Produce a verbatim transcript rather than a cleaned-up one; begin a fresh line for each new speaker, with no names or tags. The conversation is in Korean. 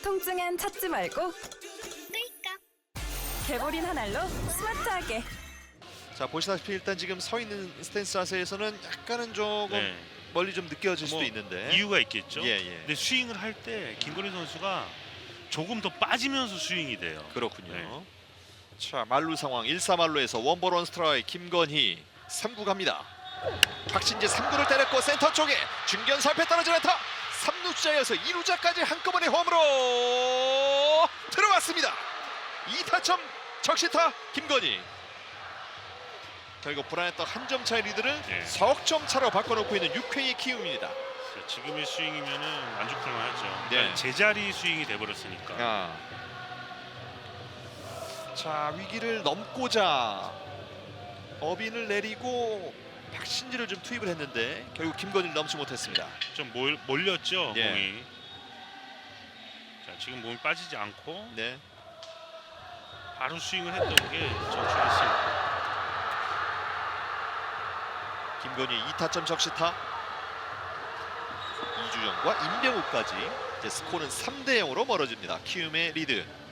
통증엔 찾지 말고 끌까. 개보린 한 알로 스마트하게.
자, 보시다시피 일단 지금 서 있는 스탠스 자세에서는 약간은 조금
네.
멀리 좀 느껴질
뭐
수도 있는데
이유가 있겠죠.
예, 예.
근데 스윙을 할 때 김건희 선수가 조금 더 빠지면서 스윙이 돼요.
그렇군요.
네.
자, 말루 상황 일 사 말루에서 원볼 원 스트라이크 김건희 삼 구 갑니다. 박신재 삼 구를 때렸고 센터 쪽에 중견 살패 떨어지는 안타. 삼 루자에서 이 루자까지 한꺼번에 홈으로 들어갔습니다. 이 타점 적시타 김건희. 결국 불안했던 한 점 차의 리드를
예.
석점 차로 바꿔놓고 있는 육 회의 키움입니다.
자, 지금의 스윙이면은 만족할만 하죠.
네.
그러니까 제자리 스윙이 돼버렸으니까.
아. 자, 위기를 넘고자 어빈을 내리고 박신지를 좀 투입을 했는데 결국 김건희를 넘지 못했습니다.
좀 몰, 몰렸죠
예.
공이. 자, 지금 몸이 빠지지 않고
네.
바로 스윙을 했던 게 적중했습니다.
김건희 이 타점 적시타. 이주정과 임병욱까지 이제 스코어는 삼 대 영으로 멀어집니다. 키움의 리드.